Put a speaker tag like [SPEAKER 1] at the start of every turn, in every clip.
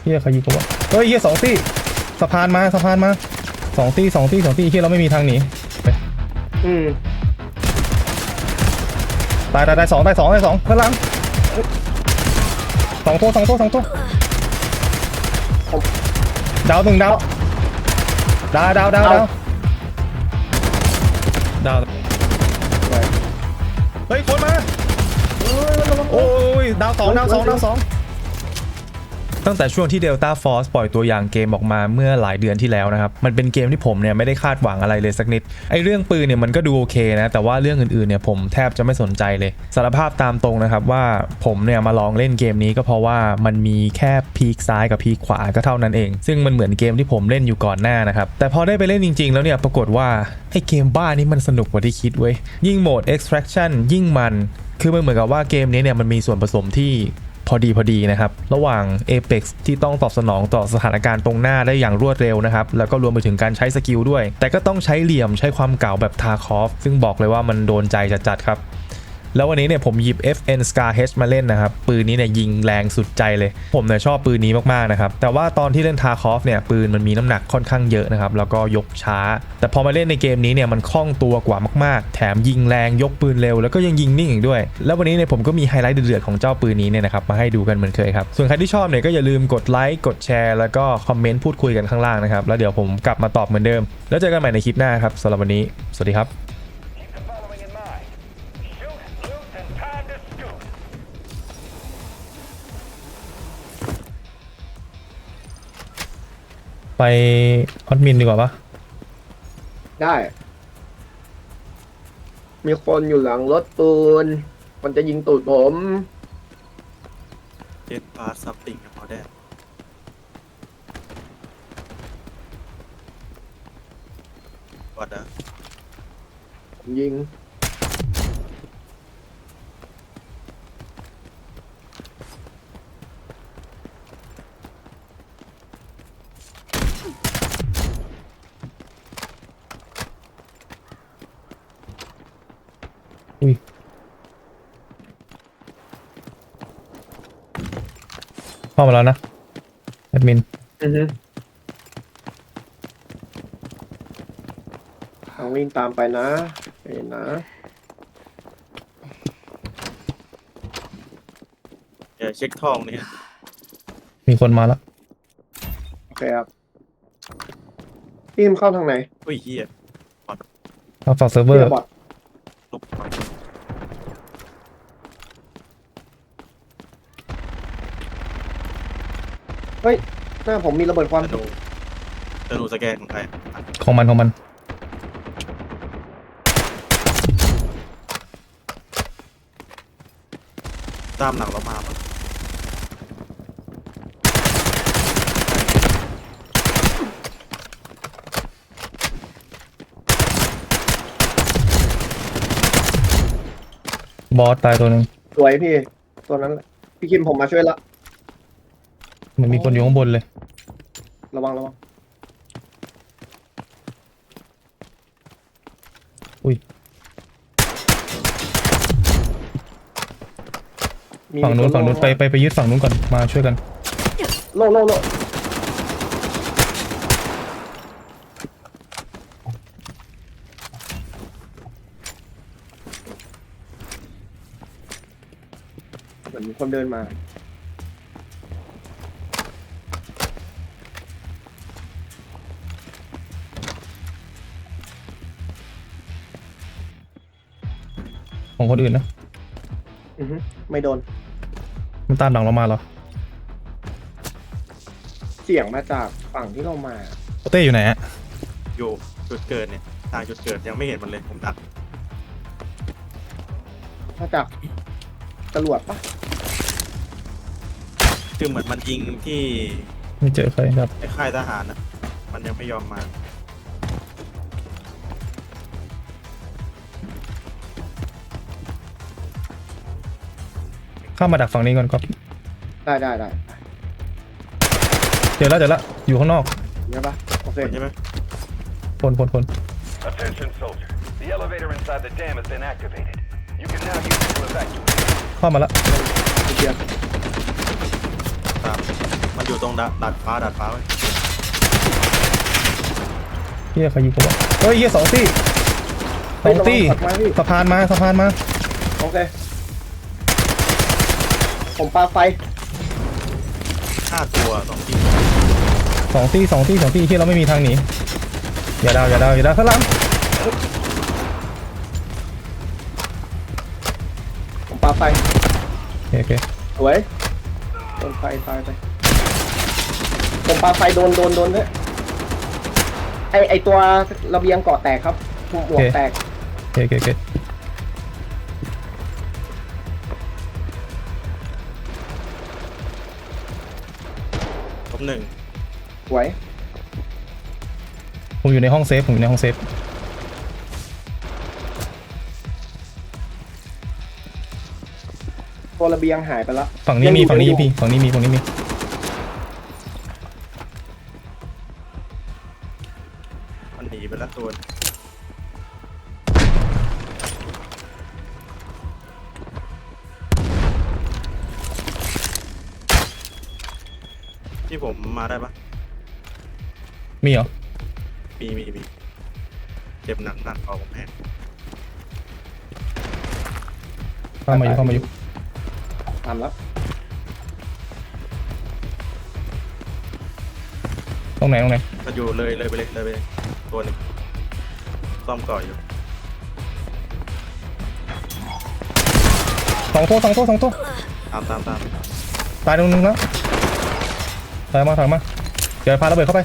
[SPEAKER 1] ฮียใครยิงกูวะเฮ้ยเฮีย2 ตี้สะพานมา2 ตี้เฮียเราไม่มีทางหนีตาย2ข้างหลัง2 ตัวดาว1ดาวเฮ้ยคนมาโอ้ยดาว2ตั้งแต่ช่วงที่ Delta Force ปล่อยตัวอย่างเกมออกมาเมื่อหลายเดือนที่แล้วนะครับมันเป็นเกมที่ผมเนี่ยไม่ได้คาดหวังอะไรเลยสักนิดไอเรื่องปืนเนี่ยมันก็ดูโอเคนะแต่ว่าเรื่องอื่นๆเนี่ยผมแทบจะไม่สนใจเลยสารภาพตามตรงนะครับว่าผมเนี่ยมาลองเล่นเกมนี้ก็เพราะว่ามันมีแค่พีคซ้ายกับพีคขวาก็เท่านั้นเองซึ่งมันเหมือนเกมที่ผมเล่นอยู่ก่อนหน้านะครับแต่พอได้ไปเล่นจริงๆแล้วเนี่ยปรากฏว่าไอเกมบ้านี้มันสนุกกว่าที่คิดเว้ยยิ่งโหมด extraction ยิ่งมันคือมันเหมือนกับว่าเกมนี้เนี่ยมันมีส่วนผสมที่พอดีนะครับระหว่าง Apex ที่ต้องตอบสนองต่อสถานการณ์ตรงหน้าได้อย่างรวดเร็วนะครับแล้วก็รวมไปถึงการใช้สกิลด้วยแต่ก็ต้องใช้เหลี่ยมใช้ความเก่าแบบทาคอฟซึ่งบอกเลยว่ามันโดนใจจัดๆครับแล้ววันนี้เนี่ยผมหยิบ FN Scar H มาเล่นนะครับปืนนี้เนี่ยยิงแรงสุดใจเลยผมเนี่ยชอบปืนนี้มากๆนะครับแต่ว่าตอนที่เล่นทาคอฟเนี่ยปืนมันมีน้ำหนักค่อนข้างเยอะนะครับแล้วก็ยกช้าแต่พอมาเล่นในเกมนี้เนี่ยมันคล่องตัวกว่ามากๆแถมยิงแรงยกปืนเร็วแล้วก็ยังยิงนิ่งอีกด้วยแล้ววันนี้เนี่ยผมก็มีไฮไลท์เดือดๆของเจ้าปืนนี้เนี่ยนะครับมาให้ดูกันเหมือนเคยครับส่วนใครที่ชอบเนี่ยก็อย่าลืมกดไลค์กดแชร์แล้วก็คอมเมนต์พูดคุยกันข้างล่างนะครับแล้วเดี๋ยวผมกลับมาตอบเหมือนเดิมแล้วเจอกันใหม่ในคลิปหน้าครับสำหรับวันนี้สวัสดีครับไปออดมินดีกว่าปะ
[SPEAKER 2] ได้มีคนอยู่หลังรถปืนมันจะยิงตูดผม
[SPEAKER 3] เจ็ดพาซับติงกับพอได้วัดนะ
[SPEAKER 2] ผมยิง
[SPEAKER 1] เข้ามาแล้วนะแอดมิน
[SPEAKER 2] ต้องวิ่งตามไปนะเห็นนะ
[SPEAKER 3] เดี๋ยวเช็คทองเนี่ย
[SPEAKER 1] มีคนมาแล้ว
[SPEAKER 2] โอเคครับพี่มเข้าทางไหน
[SPEAKER 3] อุ้ยเฮีย
[SPEAKER 1] เอาฝากเซิร์ฟเวอร์
[SPEAKER 2] บอท
[SPEAKER 3] ลุก
[SPEAKER 2] เฮ้ยหน้าผมมีระเบิดควัน
[SPEAKER 3] จะดูสแกนของใคร
[SPEAKER 1] ของมัน
[SPEAKER 3] ตามหลังเรามาปะ
[SPEAKER 1] บอสตายตัวหนึ่ง
[SPEAKER 2] สวยพี่ตัวนั้นพี่คิมผมมาช่วยละ
[SPEAKER 1] มันมีคนอยู่ข้างบนเลย
[SPEAKER 2] ระวัง
[SPEAKER 1] อุ้ยฝั่งนู้นไปยึดฝั่งนู้นก่อนมาช่วยกัน
[SPEAKER 2] โลเหมือนมีคนเดินมา
[SPEAKER 1] ของคนอื่นนะ
[SPEAKER 2] ไม่โดน
[SPEAKER 1] มันตามหลังเรามาเหรอ
[SPEAKER 2] เสียงมาจากฝั่งที่เรามา
[SPEAKER 1] เต้อยู่ไหนฮะ
[SPEAKER 3] อยู่จุดเกิดเนี่ยทางจุดเกิดยังไม่เห็นมันเลยผมดัก
[SPEAKER 2] มาจากตำรวจปะ
[SPEAKER 3] คือเหมือนมันยิงที่
[SPEAKER 1] ไม่เจอใครครับ
[SPEAKER 3] ค่ายทหารนะมันยังไม่ยอมมา
[SPEAKER 1] ข้ามมาดักฝั่งนี้ก่อนครับ
[SPEAKER 2] ได้
[SPEAKER 1] เจอแล้วอยู่ข้างนอก
[SPEAKER 2] ใช่ปะโอเค
[SPEAKER 3] ใช่ไหม
[SPEAKER 1] คน
[SPEAKER 4] Attention soldier. The elevator inside the dam has been activated. You can now use it to evacuate.
[SPEAKER 1] เข้ามาแล้ว
[SPEAKER 3] ตามมันอยู่ตรงดาดฟ้าไว้
[SPEAKER 1] เฮียใครยิงกูวะเฮ้ยเฮีย2 ตี้2 ตี้
[SPEAKER 2] ระวังถัดมาพี่
[SPEAKER 1] สะพานมา
[SPEAKER 2] โอเคผมปาไฟ
[SPEAKER 3] 5 ตัว2 ที
[SPEAKER 1] 2 ตี้เฮียเราไม่มีทางหนีอย่าดาวข้างหลัง
[SPEAKER 2] ผมปาไฟ
[SPEAKER 1] โอเค
[SPEAKER 2] สวยโดนไฟตายไปผมปาไฟโดนด้วยไอตัวระเบียงเกาะแตกครับหมวกแตก
[SPEAKER 1] โอเค
[SPEAKER 3] 1
[SPEAKER 2] สวย
[SPEAKER 1] ผมอยู่ในห้องเซฟ
[SPEAKER 2] ตัวระเบียงหายไปแล้ว
[SPEAKER 1] ฝั่งนี้มีฝั่งนี้พี่ฝั่งนี้มี
[SPEAKER 3] มันหนีไปแล้วตัวที่ผมมาได้ปะ
[SPEAKER 1] มีเหรอ
[SPEAKER 3] มีเจ็บหนักเอาผมแห้ง
[SPEAKER 1] เข้ามาอยู่
[SPEAKER 2] ตามแล้ว
[SPEAKER 1] ตรงไหน
[SPEAKER 3] ก็อยู่เลยไปเลยตัวหนึ่งซ่อมก่ออยู่
[SPEAKER 1] 2 ตัว
[SPEAKER 3] ตาม
[SPEAKER 1] ตายตรงนึงแล้วถอยมาเดี๋ยวพาระเบิดเข้าไป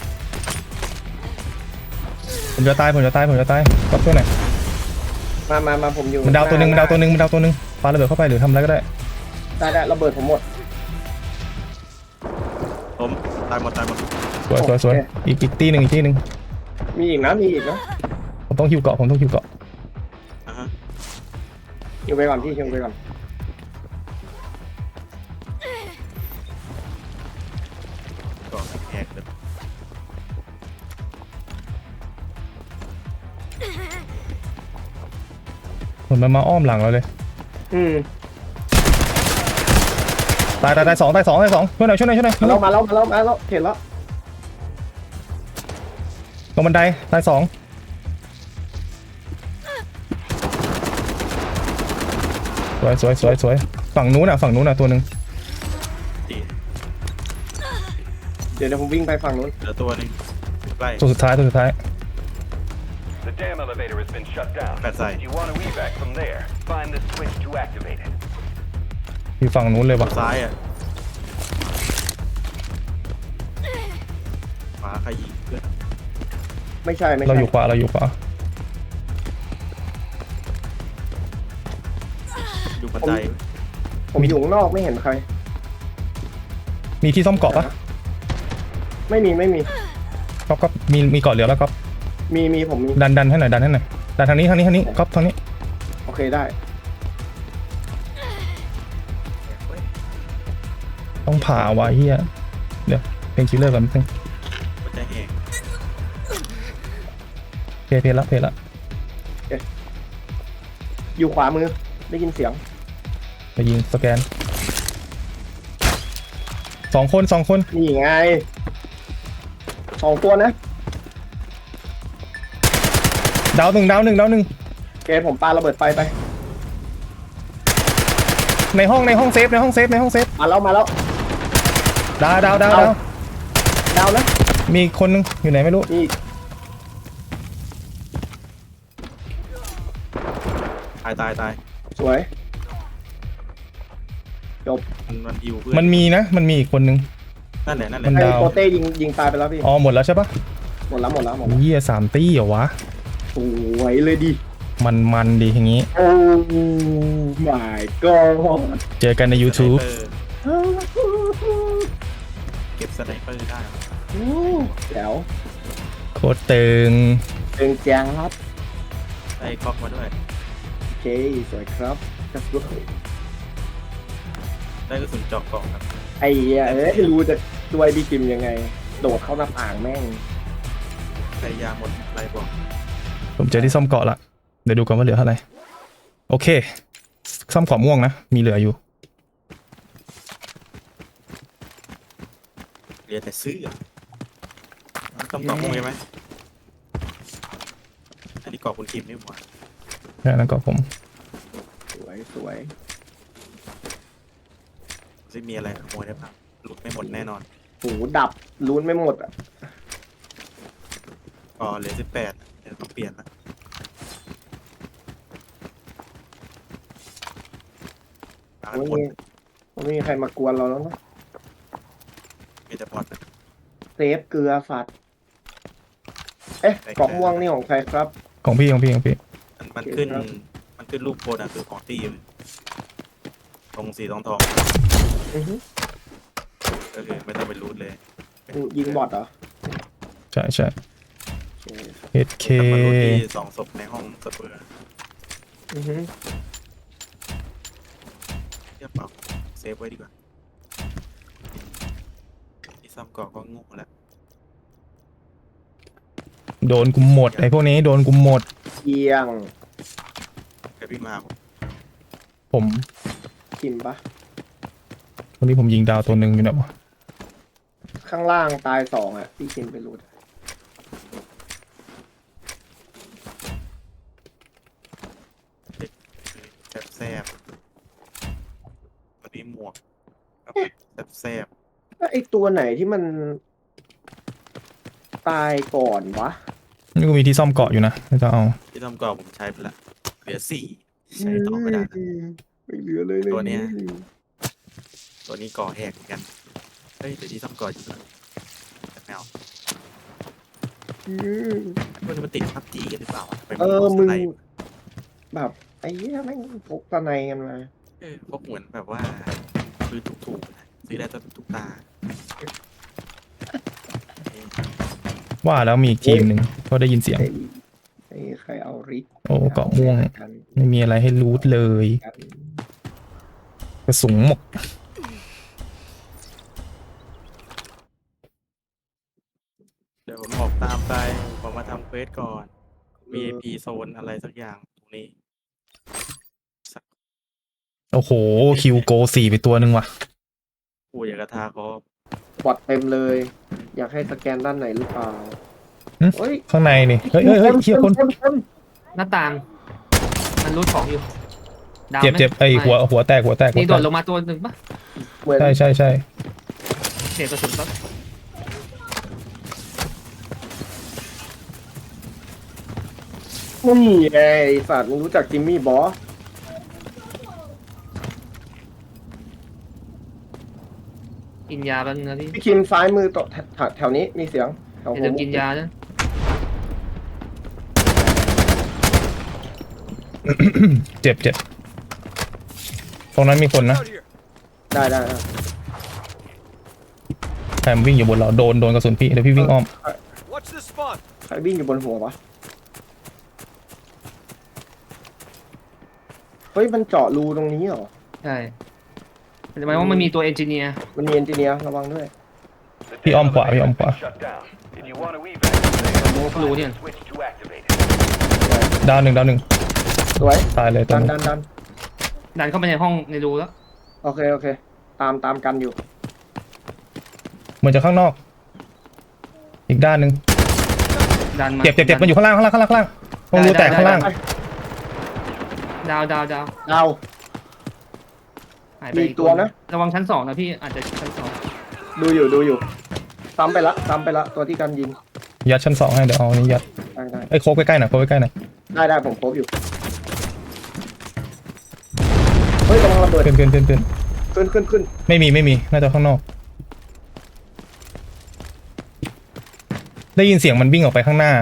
[SPEAKER 1] ผมจะตายกับตัวไหน
[SPEAKER 2] มาผมอยู่
[SPEAKER 1] มันดาวตัวหนึ่งปาระเบิดเข้าไปหรือทำอะไรก็ได้
[SPEAKER 2] ได้ระเบิดผมหมด
[SPEAKER 3] ผมตายหมด
[SPEAKER 1] สวยอีกตีหนึ่ง
[SPEAKER 2] มีอีกนะ
[SPEAKER 1] ผมต้องฮิวเกาะ
[SPEAKER 3] อ่าฮะ
[SPEAKER 2] ฮิวไปก่อนพี่ฮิวไปก่อน
[SPEAKER 3] ก่อแหกเลย
[SPEAKER 1] เหมือนมันมาอ้อมหลังเราเลย ตาย2ช่วยหน่อยช่วยหน่อย
[SPEAKER 2] มาแล้วเห็นแล้ว
[SPEAKER 1] ลงบันไดตาย2สวยฝั่งนู้นตัวหนึ่ง
[SPEAKER 3] ตี
[SPEAKER 2] เดี๋ยวผมวิ่งไปฝั่งนู้น
[SPEAKER 3] เหลือตัวหนึงใกล้
[SPEAKER 1] ตัวสุดท้าย
[SPEAKER 4] The dam elevator has been shut down.
[SPEAKER 3] That's right.
[SPEAKER 4] If you want to evac from there, find the switch to activate it.
[SPEAKER 1] อยู่ฝั่งนู้นเลยว่ะ
[SPEAKER 3] ซ้ายอ่ะขวาใครยิงเพื่อน
[SPEAKER 2] ไม่ใช่
[SPEAKER 1] เราอยู่ขวา
[SPEAKER 3] อยู่บันได
[SPEAKER 2] ผมอยู่ข้างนอกไม่เห็นใคร
[SPEAKER 1] มีที่ซ่อมเกาะปะ
[SPEAKER 2] ไม่มี
[SPEAKER 1] ก็มีเกาะเหลือแล้วก็
[SPEAKER 2] มีผมมี
[SPEAKER 1] ดันให้หน่อยดันทางนี้ก๊อฟทางนี้
[SPEAKER 2] โอเคได้
[SPEAKER 1] ต้องผ่าวะเฮียเดี๋ยวเพลงคิลเลอร์ก่อนนิดนึง
[SPEAKER 3] หัวใจแหก
[SPEAKER 1] เพลละ
[SPEAKER 2] อยู่ขวามือได้ยินเสียง
[SPEAKER 1] ไปยิงสแกน2 คน
[SPEAKER 2] นี่ไง2 ตัวนะ
[SPEAKER 1] ดาวหนึ่ง
[SPEAKER 2] โอเคผมปาระเบิดไฟไป
[SPEAKER 1] ในห้องเซฟ
[SPEAKER 2] มาแล้ว
[SPEAKER 1] ดาว
[SPEAKER 2] ดาวนะ
[SPEAKER 1] มีคนนึงอยู่ไหนไม่รู้
[SPEAKER 2] นี่
[SPEAKER 3] ตาย
[SPEAKER 2] สวยจบ
[SPEAKER 3] มันฮิวเพื่อน
[SPEAKER 1] มันมีอีกคนนึง
[SPEAKER 3] นั่นแหละ
[SPEAKER 1] มัน
[SPEAKER 2] ไอ้
[SPEAKER 1] ดาว
[SPEAKER 2] โปเต้ยิงตายไปแล้วพี่
[SPEAKER 1] อ๋อหมดแล้วใช่ปะ
[SPEAKER 2] หมดแล้ว
[SPEAKER 1] เฮีย3 ตี้เหรอวะ
[SPEAKER 2] สวยเลยดิ
[SPEAKER 1] มันดีอย่างงี้
[SPEAKER 2] โอ้ my god
[SPEAKER 1] เจอกันใน YouTube
[SPEAKER 3] เก็บสไนเปอร์ได้
[SPEAKER 2] แจ๋ว
[SPEAKER 1] โคตรตึง
[SPEAKER 2] เป็นแจ๊บ
[SPEAKER 3] ได้คอกมาด้วย
[SPEAKER 2] โอเคสวยครับจัสวย
[SPEAKER 3] ได้กระสุนเจาะเกาะครับ
[SPEAKER 2] ไอ้เหี้ยรู้จะช่วยพี่กิมยังไง โดดเข้าหน้าต่างแม่ง
[SPEAKER 3] ใช้ยาหมดไรบอก
[SPEAKER 1] ผมเจอที่ซ่อมเกาะละเดี๋ยวดูก่อนว่าเหลือเท่าไหร่โอเคซ่อมเกาะม่วงนะมีเหลืออยู่
[SPEAKER 3] เรียนแต่ซื้อต้องตอบมุ้งใช่ไหมอันนี้กรอบคุณคิมนี่หว่า
[SPEAKER 1] แล้วก็ผม
[SPEAKER 2] สวยสวย
[SPEAKER 3] ซึ่งมีอะไรขโมยได้บ้างหลุดไม่หมดแน่นอน
[SPEAKER 2] หูดับลุ้นไม่หมดอ่ะ
[SPEAKER 3] อ๋อเหลือ18เดี๋ยวต้องเปลี่ยนละหา
[SPEAKER 2] ไม่
[SPEAKER 3] หมด
[SPEAKER 2] มีไม่มีใครมากวนเราแล้วเนอะ
[SPEAKER 3] มีแต่บอลนะ
[SPEAKER 2] เซฟเกลือสัตว์เอ๊ะเกาะม่วงนี่ของใครครับ
[SPEAKER 1] ของพี่ของพี่ของพี่
[SPEAKER 3] มันขึ้น
[SPEAKER 2] ครับ
[SPEAKER 3] มันขึ้นรูปโพสอะคือของตีอยู่ตรงสีทอง
[SPEAKER 2] อือฮึ
[SPEAKER 3] ก็คือไม่ต้องไปรูดเลย
[SPEAKER 2] ยิงบอทเหรอ
[SPEAKER 1] ใช่ใช่
[SPEAKER 2] โอเค
[SPEAKER 1] HK
[SPEAKER 3] แต่มันรูดที่2 ศพในห้องสเปอร์
[SPEAKER 2] อือฮึ
[SPEAKER 3] เทียบเปล่าเซฟไว้ดีกว่าที่ซ้ำก่อก็โง่แล้ว
[SPEAKER 1] โดนกูหมดไอ้พวกนี้โดนกูหมด
[SPEAKER 2] เอียง
[SPEAKER 3] แกพี่มาผม
[SPEAKER 1] ผม
[SPEAKER 2] กินปะ
[SPEAKER 1] วันนี้ผมยิงดาวตัวหนึ่งอยู่นะวะ
[SPEAKER 2] ข้างล่างตาย2อ่ะพี่กินไปรูด
[SPEAKER 3] แซบวันนี้หมวกแซบ
[SPEAKER 2] แล้วไอ้ตัวไหนที่มันตายก่อนวะ
[SPEAKER 1] นี่กูมีที่ซ่อมเกาะอยู่นะไม่ต้องเอา
[SPEAKER 3] ที่ซ้ำก่อผมใช้ไปละเหลือ4ใช้ต่อไม่ได้ละ
[SPEAKER 2] ไม่เหลือเลยเลย
[SPEAKER 3] ตัวเนี้ย ตัวนี้ก่อแหกเหมือนกันเฮ้ยเดี๋ยวที่ซ้ำก่ออยู่แล้วแต่ไม่เอา
[SPEAKER 2] อืม
[SPEAKER 3] มันติดพับจีกันหรือเปล่าไป
[SPEAKER 2] มึง
[SPEAKER 3] สไนป์
[SPEAKER 2] แบบไอ้เหี้ยแม่งพกตะไนกันมา
[SPEAKER 3] พวกเหมือนแบบว่าซื้อถูกๆนะซื้อได้ตัวทุกตา
[SPEAKER 1] ว่าแล้วมีอีกทีมหนึ่งก็ได้ยินเสียง
[SPEAKER 2] ไอ้ใครเอาริก
[SPEAKER 1] โอ้เกาะม่วง
[SPEAKER 2] กัน
[SPEAKER 1] ไม่มีอะไรให้รูทเลย
[SPEAKER 2] กัน
[SPEAKER 1] กระสุนหมก
[SPEAKER 3] เดี๋ยวผมออกตามไปผมมาทำเควสก่อน VIP โซนอะไรสักอย่างตรงนี้
[SPEAKER 1] โอ้โหคิวโก4ไปตัวหนึ่งว่ะ
[SPEAKER 3] กูอยากกระทาเขา
[SPEAKER 2] บอดเต็มเลย อยากให้สแกนด้านไหนหรือเปล่า
[SPEAKER 1] หึ
[SPEAKER 2] เฮ้ย
[SPEAKER 1] ข้างในนี่เฮ้ยเฮ้ยเฮ้ยเฮียคน
[SPEAKER 5] หน้าต่าง มันรูดของอยู่ดาว
[SPEAKER 1] เจ็บ
[SPEAKER 5] ไหม
[SPEAKER 1] เจ็บไอ้
[SPEAKER 5] ม่
[SPEAKER 1] หัวแตกหัวแตกหัว
[SPEAKER 5] นี่
[SPEAKER 1] แต
[SPEAKER 5] โด
[SPEAKER 1] ก
[SPEAKER 5] ดลงมาตัวหนึ่งปะ
[SPEAKER 2] เหมือน
[SPEAKER 1] ใช่ใช่ใช่
[SPEAKER 5] เสียกระสุนปะ
[SPEAKER 2] นี่ไงไอ้สัตว์มึงรู้จักจิมมี่บอส
[SPEAKER 5] กินยาแป๊บนึงนะพี่
[SPEAKER 2] พี่คิมซ้ายมือต่อแถวนี้มีเสียงแถว
[SPEAKER 5] อย่า
[SPEAKER 2] ผ
[SPEAKER 5] ลื
[SPEAKER 2] ม
[SPEAKER 5] มกินยานะ
[SPEAKER 1] เจ็บเจ็บตรงนั้นมีคนนะ
[SPEAKER 2] ได้ได้
[SPEAKER 1] แถมวิ่งอยู่บนเราโดนกระสุนพี่เดี๋ยวพี่วิ่งอ้อม
[SPEAKER 6] Watch this spawn.
[SPEAKER 2] ใครวิ่งอยู่บนหัววะเฮ้ยมันเจาะรูตรงนี้เหรอ
[SPEAKER 5] ใช่แต่หมายว่ามันมีตัวเอนจิเนียร์
[SPEAKER 2] มันมีเอนจิเนียร์ระวังด้วย
[SPEAKER 4] The
[SPEAKER 1] พี่อ้อมขวา
[SPEAKER 4] elevator
[SPEAKER 1] พี่อ้อม
[SPEAKER 4] has
[SPEAKER 1] ขวา
[SPEAKER 4] been shut down. If you want to evacuate,
[SPEAKER 5] โมกรูเนี่ย
[SPEAKER 4] switch to activated.
[SPEAKER 1] ดาวหนึ่ง
[SPEAKER 2] สวย
[SPEAKER 1] ตายเลยตร
[SPEAKER 2] ดั
[SPEAKER 1] ง
[SPEAKER 2] น
[SPEAKER 1] นั้น
[SPEAKER 2] ดัน
[SPEAKER 5] ดันเข้าไปในห้องในรูแล้ว
[SPEAKER 2] โอเคโอเค ตามกันอยู่
[SPEAKER 1] เหมือนจะข้างนอก อีกด้านหนึ่ง
[SPEAKER 5] ดันมา
[SPEAKER 1] เจ็บมันอยู่ข้างล่างตรงรูแตกข้างล่าง
[SPEAKER 5] ดาว
[SPEAKER 2] ดาว
[SPEAKER 5] หายไป
[SPEAKER 2] มีอีกตัวนะ
[SPEAKER 5] ระวังชั้นสองนะพี่อาจจะชั้นสอง
[SPEAKER 2] ดูอยู่ซ้ำไปละตัวที่กันยิง
[SPEAKER 1] ยัดชั้น2ให้เดี๋ยวเอาอันนี้ยัด
[SPEAKER 2] ได้
[SPEAKER 1] ไอ้โค้กใกล้ๆหน่อยโค้กใกล้ๆหน่อย
[SPEAKER 2] ได้ผมครบอยู่เฮ้ยกำลังระเบิด
[SPEAKER 1] ขึ้นไม่มีน่าจะข้างนอก ได้ยินเสียงมันวิ่งออกไปข้างหน้า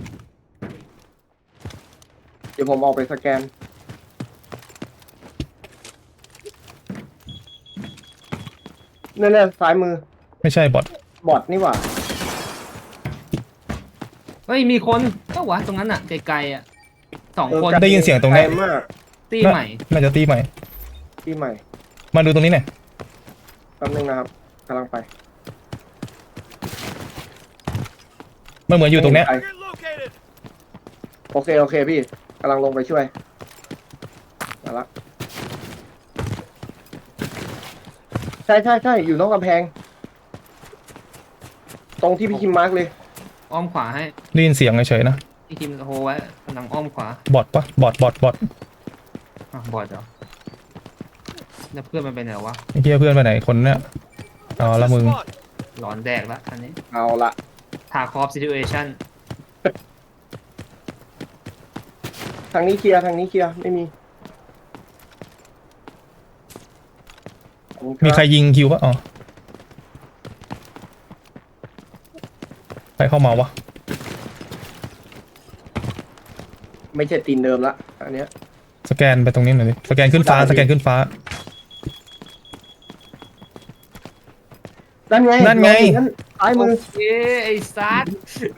[SPEAKER 2] เดี๋ยวผมออกไปสแกนนั่นซ้ายมือ
[SPEAKER 1] ไม่ใช่บอท
[SPEAKER 2] บอทนี่หว่า
[SPEAKER 5] เฮ้ยมีคนก็วะตรงนั้นอ่ะไกลๆอ่ะ2 คน
[SPEAKER 1] ได้ยินเสียงตรงนี้
[SPEAKER 2] ไกลมาก
[SPEAKER 5] ตีใหม่
[SPEAKER 1] น่าจะตีใหม่
[SPEAKER 2] ที่ใหม่
[SPEAKER 1] มาดูตรงนี้หน่อย
[SPEAKER 2] แป๊บนึงนะครับกำลังไป
[SPEAKER 1] มันเหมือนอยู่ตรงเนี้ย
[SPEAKER 6] Target located.
[SPEAKER 2] โอเคพี่กำลังลงไปช่วยมาละใช่อยู่นอกกำแพงตรงที่พี่คิมมาร์กเลย
[SPEAKER 5] อ้อมขวาให้
[SPEAKER 1] ได้ยินเสียงเฉยๆนะ
[SPEAKER 5] พี่คิมโฮไว้กำลังอ้อมขวา
[SPEAKER 1] บอทปะบอท
[SPEAKER 5] บอดเหรอแล้วเพื่อนมันไปไหนวะ
[SPEAKER 1] ไอ้เหี้ยเพื่อนไปไหนคนเนี้ยอ๋อ
[SPEAKER 6] Watch
[SPEAKER 1] ละ
[SPEAKER 6] the
[SPEAKER 1] มึง
[SPEAKER 6] spot.
[SPEAKER 5] หลอนแดกละอันนี้
[SPEAKER 2] เอาละ
[SPEAKER 5] ทาคอฟซิทูเอชั่น
[SPEAKER 2] ทางนี้เคลียร์ทางนี้เคลียร์ไม่มีขอบณบ
[SPEAKER 1] มีใครยิงคิวปะอ๋อใครเข้ามาวะ
[SPEAKER 2] ไม่ใช่ตีนเดิมละอันเนี้ย
[SPEAKER 1] สแกนไปตรงนี้หน่อยดิสแกนขึ้นฟ้าสแกนขึ้นฟ้า
[SPEAKER 2] นั่นไง
[SPEAKER 1] นั่นไง
[SPEAKER 2] นั่นซ้ายมือ
[SPEAKER 5] เอ้ไอ้ซัด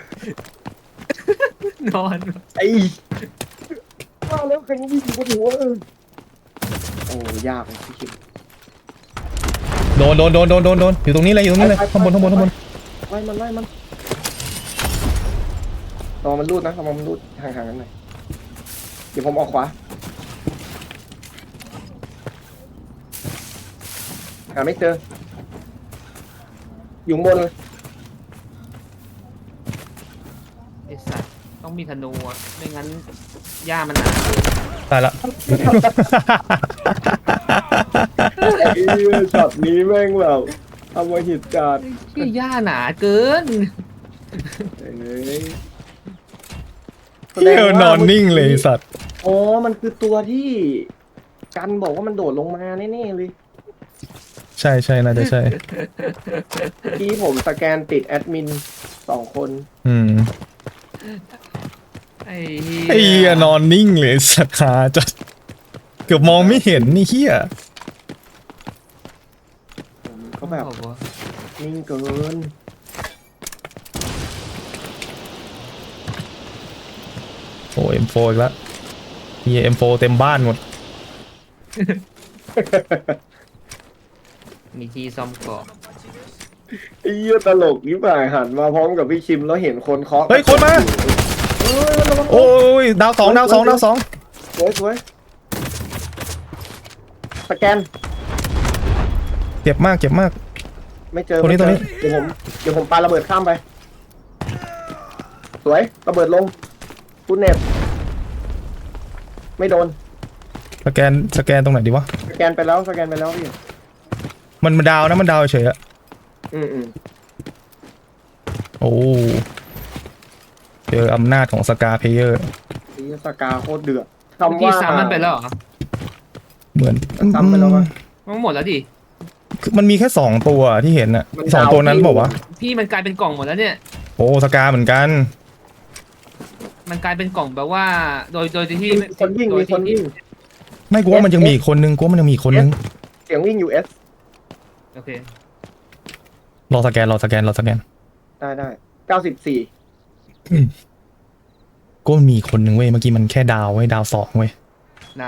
[SPEAKER 5] นอน
[SPEAKER 2] ไอ้ว่าแล้วใครวิ่งอยู่บนหัวโอ้ยากเลยพี่คิม
[SPEAKER 1] โดนอยู่ตรงนี้เลยข้างบน
[SPEAKER 2] ไล่มันรอมันรูดนะรอมันรูดห่างๆกันหน่อยเดี๋ยวผมออกขวาหาไม่เจออยู่ข้างบนเลย
[SPEAKER 5] ไอ้สัตว์ต้องมีธนูอะไม่งั้นหญ้ามันหนา
[SPEAKER 1] ตายละ
[SPEAKER 2] ไอ้ช็อตนี้แม่งแบบทำมาหิตจัด
[SPEAKER 5] ที่หญ้าหนาเกิน
[SPEAKER 2] เอ้ย
[SPEAKER 1] เหี้ยนอนนิ่งเลยไอ้สัตว์
[SPEAKER 2] อ๋อมันคือตัวที่กันบอกว่ามันโดดลงมาแน่ๆเลย
[SPEAKER 1] ใช่น่าจะใช่
[SPEAKER 2] ที่ผมสแกนติดแอดมิน2 คน
[SPEAKER 5] ไอ้
[SPEAKER 1] ไอ้เหี้ยนอนนิ่งเลยสัตว์ขาจัดเกือบมองไม่เห็นนี่เหี้ย
[SPEAKER 2] ผมก็แบบ
[SPEAKER 5] บอกว่า
[SPEAKER 2] นิ่งเกิน
[SPEAKER 1] โอ้M4 อีกแล้วเหี้ย M4 เต็มบ้านหมด
[SPEAKER 5] มีที่ซ่อมเกาะ
[SPEAKER 2] ไอ้เหี้ยตลกนี่ป่ายหันมาพร้อมกับพี่ชิมแล้วเห็นคนเคาะ
[SPEAKER 1] เฮ้ยคนมา
[SPEAKER 2] เฮ้ยระวัง
[SPEAKER 1] โอ้ยดาวสอง
[SPEAKER 2] สวยสแกน
[SPEAKER 1] เจ็บมาก
[SPEAKER 2] ไม่เจอ
[SPEAKER 1] ตรงนี้
[SPEAKER 2] เดี๋ยวผมปาระเบิดข้ามไป สวยระเบิดลงคุณเน็ตไม่โดน
[SPEAKER 1] สแกนตรงไหนดีวะ
[SPEAKER 2] สแกนไปแล้วพี่
[SPEAKER 1] มันดาวนะมันดาวเฉยอะ
[SPEAKER 2] อืม
[SPEAKER 1] โอ้เจออำนาจของสกาเพเยอร์
[SPEAKER 2] นี่สกาโคตรเดือด
[SPEAKER 5] เมื่อ
[SPEAKER 2] คำ
[SPEAKER 5] กี้
[SPEAKER 2] ว่า
[SPEAKER 5] ซ้ำมันไปแล้วเหรอ
[SPEAKER 1] เหมือน
[SPEAKER 2] ซ้ำไปแล้ววะ
[SPEAKER 5] มันหมดแล้วดิ
[SPEAKER 1] คือมันมีแค่2ตัวที่เห็นอะ
[SPEAKER 2] มัน
[SPEAKER 1] สอง
[SPEAKER 2] ดาว
[SPEAKER 1] ตัวนั้น
[SPEAKER 2] ที่
[SPEAKER 1] บอกว่าว
[SPEAKER 5] พี่มันกลายเป็นกล่องหมดแล้วเนี่ย
[SPEAKER 1] โอ้สกาเหมือนกัน
[SPEAKER 5] มันกลายเป็นกล่องแบบว่า โดยที่
[SPEAKER 2] มีคนวิ่ง
[SPEAKER 5] โดยที่
[SPEAKER 1] ไม่กูว่ามันยังมีอีกคนนึง
[SPEAKER 2] เสียงวิ่งอยู่เอส
[SPEAKER 5] โอเค
[SPEAKER 1] รอสแกน
[SPEAKER 2] ได้94
[SPEAKER 1] ก็มีอีกคนนึงเว้ยเมื่อกี้มันแค่ดาวดาว2เว้ย
[SPEAKER 5] ได้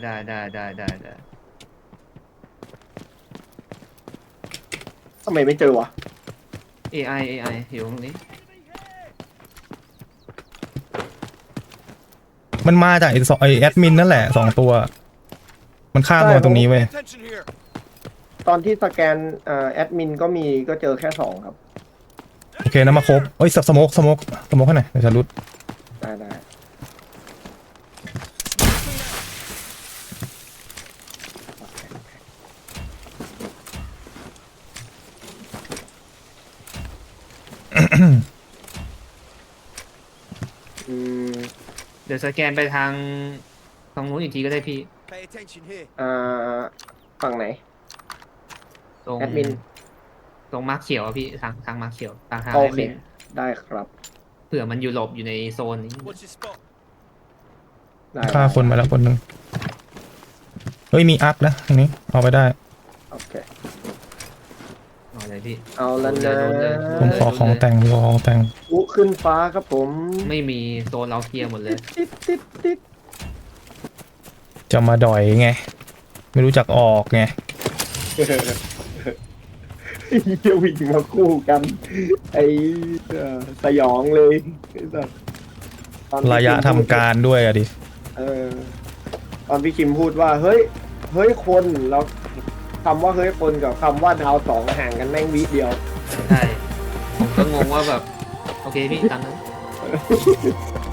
[SPEAKER 2] ทำไมไม่เจอวะ
[SPEAKER 5] AI อยู่ตรงนี้
[SPEAKER 1] มันมาจากไอแอดมินนั่นแหละ2ตัว มันข้ามมาตรงนี้เว้ย
[SPEAKER 6] Attention here.
[SPEAKER 2] ตอนที่สแกนแอดมินก็เจอแค่2ครับ
[SPEAKER 1] โอเคนะมาครบเอ้ยสโมกให้หน่อยเดี๋ยวจะรุด
[SPEAKER 2] ได้อืม
[SPEAKER 5] เดี๋ยวสแกนไปทางนู้นอีกทีก็ได้พี่
[SPEAKER 6] Pay attention here.
[SPEAKER 2] ฝั่งไหน
[SPEAKER 5] ตรง
[SPEAKER 2] แอดมิน
[SPEAKER 5] ตรงมาร์คเขียวอะพี่ทางมาร์คเขียวทาง
[SPEAKER 2] โอ
[SPEAKER 5] แอด
[SPEAKER 2] เค
[SPEAKER 5] มิน
[SPEAKER 2] ได้ครับ
[SPEAKER 5] เผื่อมันอยู่หลบอยู่ในโซนนี้
[SPEAKER 6] Watch the spot.
[SPEAKER 2] ได้
[SPEAKER 1] ฆ่าคนมาแล้วคนนึงเฮ้ยมีอัพนะตรงนี้เอาไปได้
[SPEAKER 2] โอเค
[SPEAKER 5] เอาเลยพี่
[SPEAKER 2] เอาแล้วนะ
[SPEAKER 5] โดนเลย
[SPEAKER 1] ผมขอของแต่ง
[SPEAKER 2] อุ๊ขึ้นฟ้าครับผม
[SPEAKER 5] ไม่มีโซนเราเคลียร์หมดเลย
[SPEAKER 2] ติด
[SPEAKER 1] จะมาดอยไงไม่รู้จักออกไง
[SPEAKER 2] เฮียวิ่งมาคู่กัน ไอ้สยองเลยไอ้สัสตอนพี่
[SPEAKER 1] ระยะทำการด้วยอะดิ
[SPEAKER 2] ตอนพี่คิมพูดว่าเฮ้ยคนแล้วคำว่าเฮ้ยคนกับคำว่าดาว2ห่างกันแม่งวิเดียว
[SPEAKER 5] ใช่ผมก็งงว่าแบบ โอเคพี่ตามนั้น